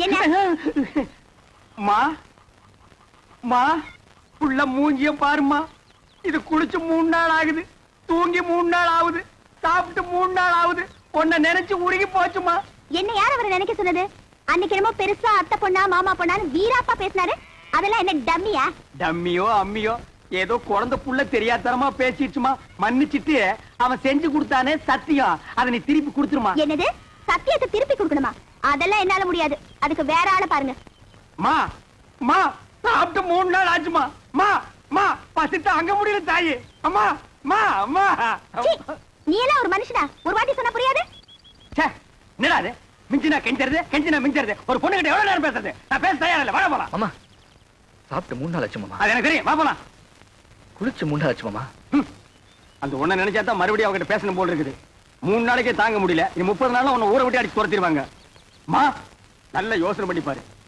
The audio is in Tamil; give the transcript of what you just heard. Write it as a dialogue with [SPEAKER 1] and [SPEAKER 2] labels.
[SPEAKER 1] மா மா புள்ள மூஞ்சியம் பாருமா. இது குளிச்சு 3 நாள் ஆகுது, தூங்கி 3 நாள் ஆகுது, சாப்பிட்டு 3 நாள் ஆகுது. உன்னை நினைச்சு உருகி போச்சுமா.
[SPEAKER 2] என்ன யார் அவரை நினைக்க சொன்னது? அன்னைக்கு என்னமோ பெருசா அத்தை பொண்ணா மாமா பொண்ணான்னு வீராப்பா பேசினாரு. அதெல்லாம் என்ன டம்மியா?
[SPEAKER 1] டம்மியோ அம்மியோ ஏதோ குழந்தை புள்ள தெரியாதரமா பேசிடுச்சுமா. மன்னிச்சிட்டு அவன் செஞ்சு கொடுத்தானே சத்தியம், அதை நீ திருப்பி கொடுத்துருமா.
[SPEAKER 2] என்னது சத்தியத்தை திருப்பி கொடுக்கணுமா? அதெல்லாம் என்னால முடியாது. அதுக்கு வேற ஆளை பாருங்க.
[SPEAKER 1] மா மா சாப்பிட்டு 3 நாள் ஆச்சுமா. மா மா பசித்து அங்க முடியல தாயி. அம்மா மா அம்மா.
[SPEAKER 2] நீ எல்லாம் ஒரு மனுஷனா? ஒரு வாட்டி சொன்னா புரியாது?
[SPEAKER 1] என்னடா மிஞ்சினா கெஞ்சறது, கெஞ்சினா மிஞ்சறது. ஒரு பொண்ணு கிட்ட எவ்வளவு நேரம் பேசுறது? நான் பேச தயார் இல்ல. வர போலாம்.
[SPEAKER 3] அம்மா சாப்பிட்டு 3 நாள் ஆச்சு மாமா.
[SPEAKER 1] அது எனக்கு தெரியும். வா போலாம்.
[SPEAKER 3] குளிச்சு 3 நாள் ஆச்சு மாமா.
[SPEAKER 1] அந்த ஒண்ண நினைச்சா தான் மறுபடியும் அவகிட்ட பேசணும் போல இருக்குது. 3 நாளைக்கே தாங்க முடியல. நீ 30 நாள்ல உன்னை ஊரை விட்டு அடிச்சு துரத்திடுவாங்க. மா நல்ல யோசனை பண்ணி பாரு.